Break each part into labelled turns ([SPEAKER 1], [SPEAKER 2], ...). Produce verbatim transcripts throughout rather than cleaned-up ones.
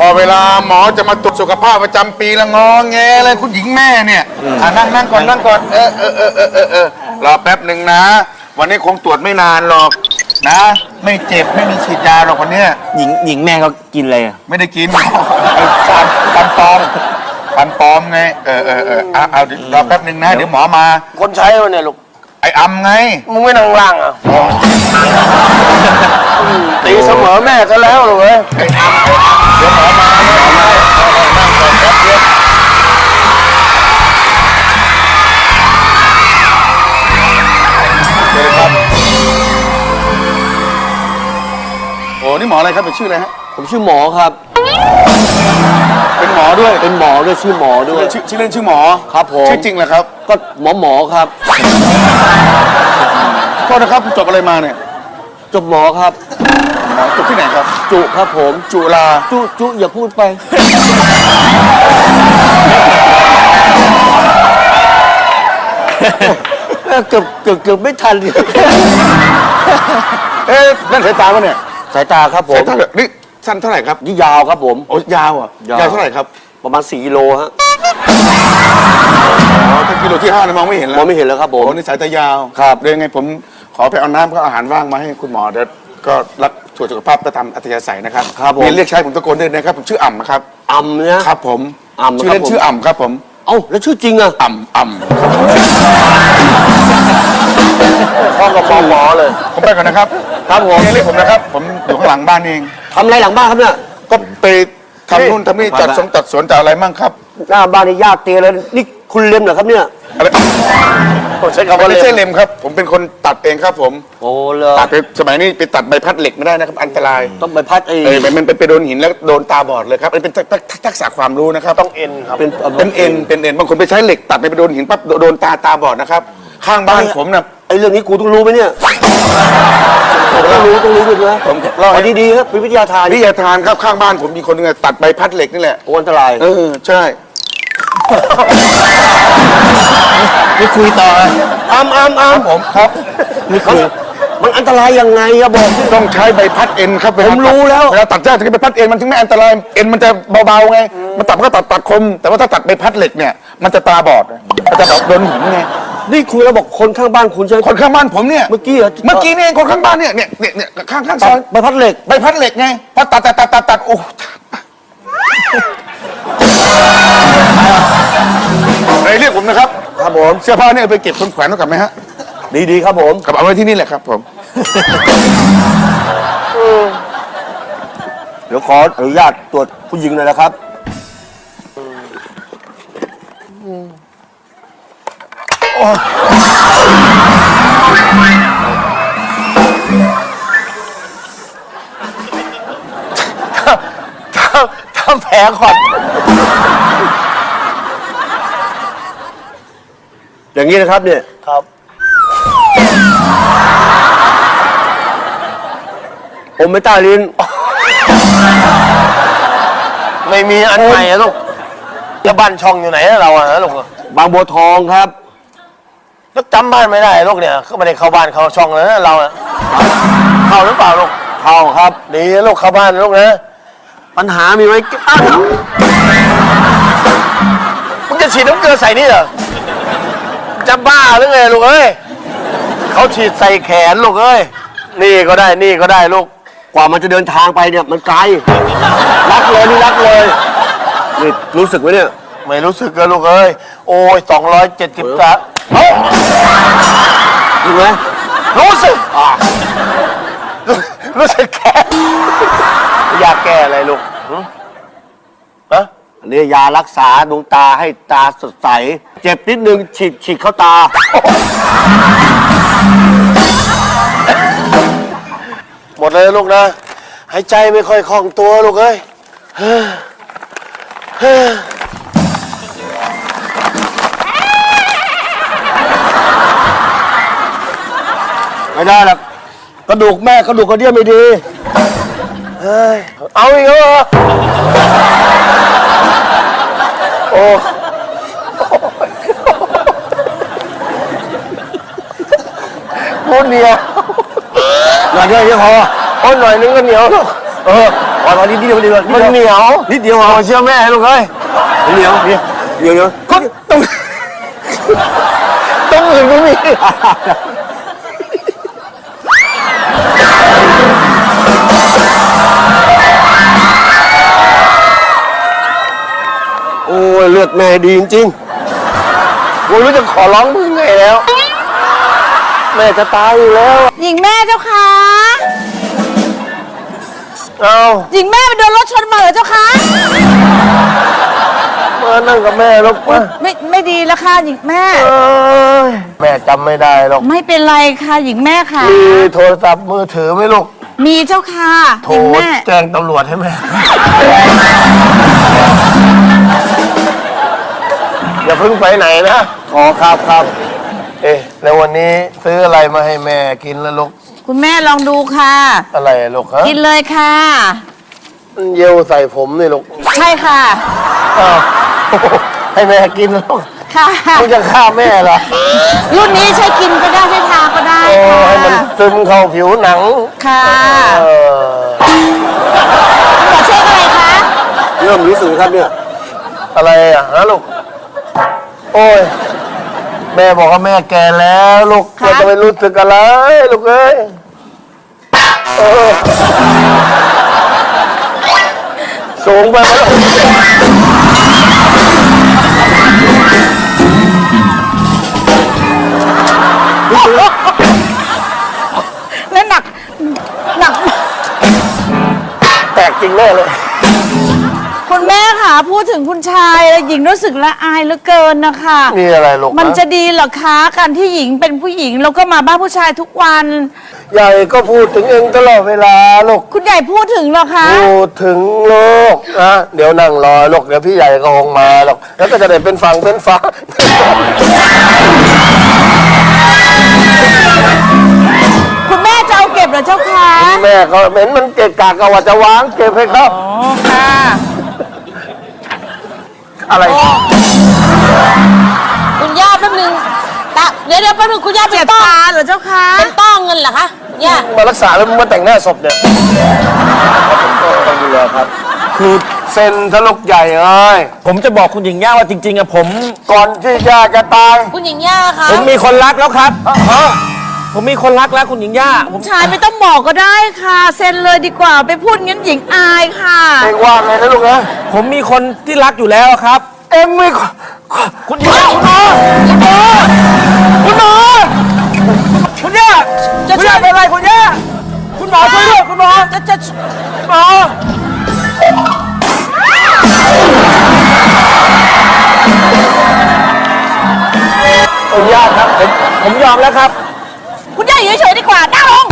[SPEAKER 1] พอเวลาหมอจะมาตรวจสุขภาพประจำปีละงอแงเลยคุณหญิงแม่เนี่ยอ่านั่งนั่งก่อนนั่งก่อนเออเออเออเออเออเออรอแป๊บหนึ่งนะวันนี้คงตรวจไม่นานหรอกนะไม่เจ็บไม่มีฉีดยาหรอกวันนี้
[SPEAKER 2] หญิงหญิงแม่เขากินอะไรอ่ะ
[SPEAKER 1] ไม่ได้กินฟันฟันปลอมฟันปลอมไงเออเออเออเอาเอารอแป๊บหนึ่งนะเดี๋ยวหมอมา
[SPEAKER 3] คนใช้วันเนี่ยลูก
[SPEAKER 1] ไอ้อำไง
[SPEAKER 3] มึงไม่นั่งล่างอ่ะตีเสมอแม่ซะแล้วลูกเอ้ย
[SPEAKER 1] ไอ้อำเดี๋ยวหมอมาหมอมานั่งก่อนแป๊บเดียวเชิญครับโอ้นี่หมออะไรครับเป็นชื่ออะไรฮะ
[SPEAKER 2] ผมชื่อหมอครับ
[SPEAKER 1] เป็นหมอด้วย
[SPEAKER 2] เป็นหมอด้วยชื่อหมอด้วย
[SPEAKER 1] ชื่อชื่อเล่นชื่อหมอ
[SPEAKER 2] ครับผม
[SPEAKER 1] ชื่อจริงเหรอครับ
[SPEAKER 2] ก็หมอหมอครับ
[SPEAKER 1] โทษนะครับจบอะไรมาเนี่ย
[SPEAKER 2] จบหมอครับ
[SPEAKER 1] จบที่ไหนครับ
[SPEAKER 2] จุครับผม
[SPEAKER 1] จุฬา
[SPEAKER 2] จุจุอย่าพูดไปเกือบเกือบเกือบไม่ทัน
[SPEAKER 1] เอ๊ะนั่นสายตาปะเนี่ย
[SPEAKER 2] สายตาครับผม
[SPEAKER 1] สายตานี่สั้นเท่าไหร่ครับ
[SPEAKER 2] นี่ยาวครับผม
[SPEAKER 1] โอ้ยาวอ่ะยาวเท่าไหร่ครับ
[SPEAKER 2] ประมาณสี่กิโลฮะ
[SPEAKER 1] อ๋อถ้ากิโลที่ห้าเนี่ยมองไม่เห็นแล้ว
[SPEAKER 2] มองไม่เห็นแล้วครับผม
[SPEAKER 1] โอ้นี่สายตายาว
[SPEAKER 2] ครับ
[SPEAKER 1] เดี๋ยวยังไงผมขอไปเอาน้ำกับอาหารว่างมาให้คุณหมอเดี๋ยวก็รับตรวจสุขภาพประจำอัธยาศัยนะครับ
[SPEAKER 2] ครับผม
[SPEAKER 1] มีเรียกใช้ผมตะโกนด้วยนะครับผมชื่ออ่ำนะครับ
[SPEAKER 2] อ่ำเนี่ย
[SPEAKER 1] ครับผม
[SPEAKER 2] อ่ำ
[SPEAKER 1] ชื่อเล่นชื่ออ่ำครับผม
[SPEAKER 2] เอ้าแล้วชื่อจริงอะ
[SPEAKER 1] อ่ำอ่ำ
[SPEAKER 3] ข้อกับหมอหมอเลย
[SPEAKER 1] ผมไปก่อนนะครับครับผมเรียกผมนะครับผมอยู่ข้างหลังบ้านเอง
[SPEAKER 2] ทำอะไรหลังบ้านครับเนี่ย
[SPEAKER 1] ก็ไปทำนู่นทำนี่จัดสงจัดสวนจัดอะไรมั่งครับ
[SPEAKER 2] หน้าบ้านนี่ญาติเตียเลยนี่คุณเล็มเหรอครับเนี่ย
[SPEAKER 1] อะไรผมใช้คำว่าไม่ใช่เล็มครับผมเป็นคนตัดเองครับผม
[SPEAKER 2] โอ้เลย
[SPEAKER 1] ตัดไปสมัยนี้ไปตัดใบพัดเหล็กไม่ได้นะครับอันตราย
[SPEAKER 2] ต้องใบพัดเอง
[SPEAKER 1] เออมันเป็นไปโดนหินแล้วโดนตาบอดเลยครับเป็นทักษะความรู้นะครับ
[SPEAKER 3] ต้องเอ็นครับ
[SPEAKER 1] เป็นเป็นเอ็นเป็นเอ็นบางคนไปใช้เหล็กตัดไปโดนหินปั๊บโดนตาตาบอดนะครับข้างบ้านผมนะ
[SPEAKER 2] ไอ้เรื่องนี้กูต้องรู้ไหมเนี่ยต้องรู้ต้องรู้ด้วยนะผมเล่าให้ดีๆครับเป็นวิทยาทาน
[SPEAKER 1] วิทยาทานครับข้างบ้านผมมีคนนึงตัดใบพัดเหล็กนี่แหละ
[SPEAKER 2] โอ้อันตราย
[SPEAKER 1] เออใช่
[SPEAKER 2] ไม่คุยต่ออ้ำอ้ำอ้ำ
[SPEAKER 1] ผมครับ
[SPEAKER 2] ไม่คุยมันอันตรายยังไงอะบอก
[SPEAKER 1] ต้องใช้ใบพัดเอ็นครับ
[SPEAKER 2] ผมรู้แล้ว
[SPEAKER 1] เวลาตัดหญ้าถึงใบพัดเอ็นมันถึงไม่อันตรายเอ็นมันจะเบาๆไงมันตัดก็ตัดตัดคมแต่ว่าถ้าตัดใบพัดเหล็กเนี่ยมันจะตาบอดมันจะโดนหินไง
[SPEAKER 2] นี่คุยแล้วบอกคนข้างบ้านคุณใช่ไหม
[SPEAKER 1] คนข้างบ้านผมเนี่ย
[SPEAKER 2] เมื่อกี้
[SPEAKER 1] เมื่อกี้นี่คนข้างบ้านเนี่ยเนี่ยเนี่ยข้างข้างซอย
[SPEAKER 2] ใบพัดเหล็ก
[SPEAKER 1] ใบพัดเหล็กไงพอตัดตัดตัดตัดตัดโอ้ไอ้เรียกผมนะครับ
[SPEAKER 2] ครับผม
[SPEAKER 1] เสื้อผ้าเนี่ยไปเก็บคนแขวนไว้กับไหมฮะ
[SPEAKER 2] ดีๆครับผม
[SPEAKER 1] กับเอาไว้ที่นี่แหละครับผม
[SPEAKER 2] เดี๋ยวขออนุญาตตรวจผู้หญิงหน่อยนะครับ
[SPEAKER 3] ทำแผลก่อน
[SPEAKER 2] อย่างนี้นะครับเนี่ย
[SPEAKER 3] ครับ
[SPEAKER 2] ผมไม่ใต้ลิ้น
[SPEAKER 3] ไม่มีอันใหม่อะลูกแล้วบ้านช่องอยู่ไหนเราอะลูก
[SPEAKER 2] บางบัวทองครับ
[SPEAKER 3] แล้วจำบ้านไม่ได้ลูกเนี่ยเขาไม่ได้เข้าบ้านเข้าช่องเลยนะเราอะเข้าหรือเปล่าลูก
[SPEAKER 2] เข้าครับ
[SPEAKER 3] ดีลูกเข้าบ้านลูกนะ
[SPEAKER 2] ปัญหามีไว้อ้าว
[SPEAKER 3] มึงจะฉีดน้ำเกลือใส่นี่เหรอจะบ้าหรือไงลูกเอ้ยเขาฉีดใส่แขนลูกเอ้ยนี่ก็ได้นี่ก็ได้ลูก
[SPEAKER 2] กว่ามันจะเดินทางไปเนี่ยมันไกลรักเลยนี่รักเลยนี่รู้สึกไหมเนี่ย
[SPEAKER 3] ไม่รู้สึกเลยลูกเอ้ยโอ้ยสองร้อยเจ็ดสิบสามเฮ้ย
[SPEAKER 2] รู้ไหม
[SPEAKER 3] รู้สึกอ่ารู้สึกแก่อยากแก้อะไรลูกฮะ
[SPEAKER 2] อันนี้ยารักษาดวงตาให้ตาสดใสเจ็บนิดนึงฉีดฉีดเข้าตา
[SPEAKER 3] หมดเลยลูกนะหายใจไม่ค่อยคล่องตัวลูกเอ้ย
[SPEAKER 2] ไม่ได้หรอกกระดูกแม่กระดูกกระเดี่ยวไม่ดี
[SPEAKER 3] เฮ้ยเอาอีกแล้วเหรอโอ้พูดเหนียว
[SPEAKER 2] หน่อยเดียวพอ
[SPEAKER 3] โอ้หน่อยนึงก็เหนียวลูก
[SPEAKER 2] เอออ่อนนิดเดียวนิดเดียว
[SPEAKER 3] มันเหนียว
[SPEAKER 2] นิดเดียว
[SPEAKER 3] เอา
[SPEAKER 2] เอา
[SPEAKER 3] เชื่อแม่ลูกเอ้ย
[SPEAKER 2] เหนียวเดียวเดียวเดียว
[SPEAKER 3] ก็ตรงตรงอื่นก็มี
[SPEAKER 2] โอ้ยเลือดแม่ดีจริง
[SPEAKER 3] กูรู้จะขอร้องมึงไงแล้ว แม่จะตายอยู่แล้ว
[SPEAKER 4] หญิงแม่เจ้าค่ะ
[SPEAKER 3] เอา
[SPEAKER 4] หญิงแม่ไปโดนรถชนมาเหรอเจ้าค่ะ
[SPEAKER 3] มานั่งกับแม่ลูกมา
[SPEAKER 4] ไม่ไม่ดีแล้วค่ะหญิงแม่
[SPEAKER 3] เอ้ยแม่จำไม่ได้หรอก
[SPEAKER 4] ไม่เป็นไรค่ะหญิงแม่ค่ะ
[SPEAKER 3] มีโทรศัพท์มือถือไหมลูก
[SPEAKER 4] มีเจ้าค่ะ
[SPEAKER 3] โท
[SPEAKER 4] หญิง
[SPEAKER 3] ร
[SPEAKER 4] แม่
[SPEAKER 3] แจ้งตำรวจให้แม่ อย่าเพิ่งไปไหนนะ
[SPEAKER 2] ๆอ๋อครับครับ
[SPEAKER 3] เอ๊ะแล้ววันนี้ซื้ออะไรมาให้แม่กินแล้วลูก
[SPEAKER 4] คุณแม่ลองดูค่ะ
[SPEAKER 3] อะไรอะลูกฮะ
[SPEAKER 4] กินเลยค่ะ
[SPEAKER 3] มันเยลใส่ผมนี่ลูก
[SPEAKER 4] ใช่ค่ะ
[SPEAKER 3] อ้าว ให้แม่กินแล้วลูก
[SPEAKER 4] ค่ะ
[SPEAKER 3] มึงจะฆ่าแม่เหรอ
[SPEAKER 4] รุ่นนี้ใช้กินก็ได้ใช้ทาก็ได้
[SPEAKER 3] โอ้
[SPEAKER 4] ค่ะ
[SPEAKER 3] ให้มันซึมเข้าผิวหนัง
[SPEAKER 4] ค่ะ
[SPEAKER 3] เออ
[SPEAKER 4] ขอเช็คอะไรคะ
[SPEAKER 2] เริ่มรู้สึกครับเนี่ย
[SPEAKER 3] อะไรอ่ะฮะลูก โอ้ย แม่บอกว่าแม่แก่แล้วลูกแม่จะไม่รู้สึกอะไรลูกเอ้ยเออสูงไปไหมลูก
[SPEAKER 4] แล้วหนักหนัก
[SPEAKER 3] แตกจริงแน่เลย
[SPEAKER 4] คุณแม่ค่ะพูดถึงคุณชายแล้วหญิงรู้สึกละอายเหลือเกินนะคะ
[SPEAKER 3] นี่อะไรลูก
[SPEAKER 4] มัน
[SPEAKER 3] ฮ
[SPEAKER 4] จะดีเหรอคะการที่หญิงเป็นผู้หญิงแล้วก็มาบ้านผู้ชายทุกวัน
[SPEAKER 3] ใหญ่ก็พูดถึงเองตลอดเวลาลูก
[SPEAKER 4] คุณใหญ่พูดถึงเหรอคะ
[SPEAKER 3] พูดถึงลูกนะเดี๋ยวนั่งรอลูกเดี๋ยวพี่ใหญ่ก็คงมาหรอกแล้วก็จะได้เป็นฝั่งเป็นฟ้า
[SPEAKER 4] คุณแม่จะเอาเก็บเหรอเจ้าคะ
[SPEAKER 3] แม่ก็เห็นมันเกะกะก็ว่าจะวางเก็บให้เขา
[SPEAKER 4] อ๋อค่ะ
[SPEAKER 3] อะไร
[SPEAKER 5] คุณย่าแป๊บนึงตะเดี๋ยวเดี๋ยวแป๊บนึงคุณย่าเป็
[SPEAKER 4] เจ็
[SPEAKER 5] น
[SPEAKER 4] บ
[SPEAKER 5] ต้อ
[SPEAKER 4] ตาเหรอเจ้าคะ
[SPEAKER 5] เป็นต้อเงินเหรอคะคุณย่า
[SPEAKER 3] มารักษาแล้วมึงมาแต่งหน้าศพเนี่ย
[SPEAKER 2] ต้องดูแลครับ
[SPEAKER 3] คือเซ็นทะลุกใหญ่เอ้ย
[SPEAKER 6] ผมจะบอกคุณหญิงย่าว่าจริงๆอะผม
[SPEAKER 3] ก่อนที่ย่าจะตาย
[SPEAKER 5] คุณหญิงย่าคะ
[SPEAKER 6] ผมมีคนรักแล้วครับผมมีคนรักแล้วคุณหญิงย่าผม
[SPEAKER 4] ชายไม่ต้องบอกก็ได้ค่ะเซ็นเลยดีกว่าไปพูดงั้นหญิงอายค่ะ
[SPEAKER 3] เองว่าไงนะลูกนะ
[SPEAKER 6] ผมมีคนที่รักอยู่แล้วครับ
[SPEAKER 3] เองไม่
[SPEAKER 6] คุณหญิงย่าคุณหมอคุณหมอคุณย่า
[SPEAKER 4] จะ
[SPEAKER 6] คุณ
[SPEAKER 4] ช่ว
[SPEAKER 6] ย่าย เป็นอะไรคุณย่าคุณหมอช่วยด้วยคุณหมอ
[SPEAKER 4] จะจะ
[SPEAKER 6] คุณหมอคุณย่าครับผมผมยอมแล้วครับ
[SPEAKER 4] คุณย่าอยู่เฉยๆดีกว่านั่งลง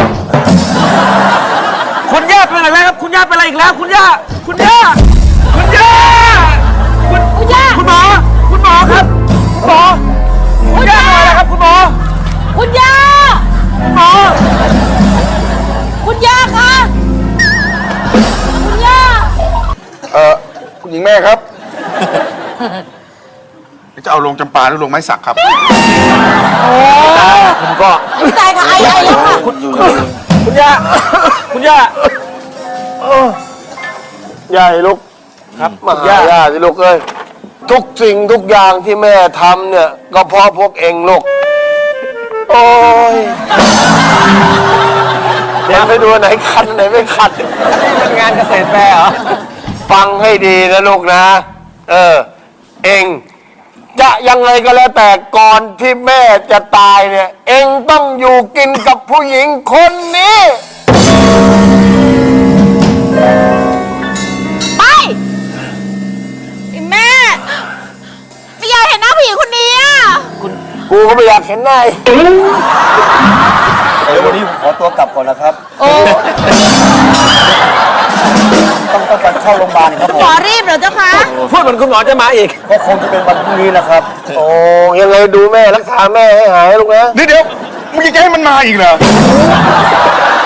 [SPEAKER 6] คุณย่าเป็นอะไรครับ คุณย่าเป็นอะไรอีกแล้ว คุณย่า คุณย่า คุณย่า คุณ
[SPEAKER 4] คุณย่า
[SPEAKER 6] คุณหมอ คุณหมอครับคุณหมอ คุณย่าเป็นอะไรครับคุณหมอ
[SPEAKER 4] คุณย่า
[SPEAKER 6] หมอ
[SPEAKER 4] คุณย่าคะคุณย่า
[SPEAKER 1] เออคุณหญิงแม่ครับ จะเอาลงจำปาหรือลงไม้สักครับ
[SPEAKER 6] ผมก็
[SPEAKER 5] ตายค่ะไอไอแล้วค่ะ
[SPEAKER 6] คุณคุณย่า คุณย่า
[SPEAKER 3] ใหญ่ลูก
[SPEAKER 6] ครับ
[SPEAKER 3] มาหาย่าสิลูกเอ้ยทุกสิ่งทุกอย่างที่แม่ทำเนี่ย ก็เพราะพวกเองลูก โอ้ยเดี๋ยวไปดูไหนคันไหนไม่คัน
[SPEAKER 6] เป็นงานเกษตรแฟร์เหรอ
[SPEAKER 3] ฟังให้ดีนะลูกนะ เออ เองจะยังไงก็แล้วแต่ก่อนที่แม่จะตายเนี่ย เองต้องอยู่กินกับผู้หญิงคนนี้
[SPEAKER 4] ไปไอ้แม่ไม่อยากเห็นหน้าผู้หญิงคนนี้อ่ะ
[SPEAKER 3] กูก็ไม่อยากเห็นหน้าอีก
[SPEAKER 2] เดี๋ยววันนี้ผมขอตัวกลับก่อนนะครับ
[SPEAKER 4] โอ้
[SPEAKER 2] ต้องต้องการเข้าโรงพยาบาลครับผ
[SPEAKER 4] หม
[SPEAKER 2] ม
[SPEAKER 4] อรีบเหรอเจ้าคะ
[SPEAKER 6] พูดเหมือนคุณหมอจะมาอีก
[SPEAKER 2] ก็คงจะเป็นวันพรุ่งนี้นะครับ
[SPEAKER 3] โอ้ยังไงดูแม่รักษาแม่ให้หายลูกนะ
[SPEAKER 1] นี่เดี๋ยวมึงจะให้มันมาอีกเหรอ